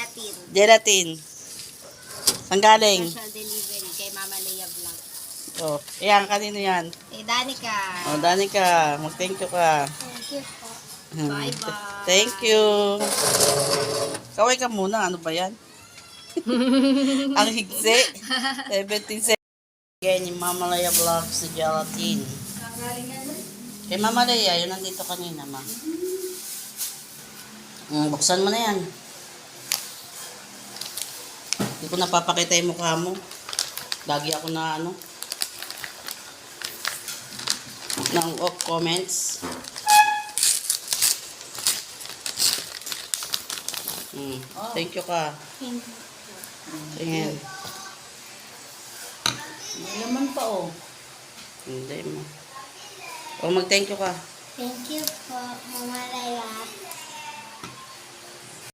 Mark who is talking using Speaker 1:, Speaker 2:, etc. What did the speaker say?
Speaker 1: Gelatin.
Speaker 2: Gelatin. Saan galing?
Speaker 1: Special delivery kay Mama Leia Vlog.
Speaker 2: Oh, yan, kanino yan?
Speaker 1: Kay Danica.
Speaker 2: Oh, Danica, mag-thank you ka.
Speaker 1: Thank you po.
Speaker 2: Hmm.
Speaker 1: Bye-bye.
Speaker 2: Thank you. Kaway ka muna, ano ba yan? Ang higsi. 17 seconds. Again, yung Mama Leia Vlogs na gelatin. Kay Mama Leia, yun nandito kanina, ma. Buksan mo na yan. Hindi ko napapakita yung mukha mo. Lagi ako na ano. Ng off comments. Thank you ka.
Speaker 1: Thank you.
Speaker 2: Tingin.
Speaker 1: May laman pa oh.
Speaker 2: Hindi mo. O mag-thank you ka.
Speaker 1: Thank you po, Mama Leia.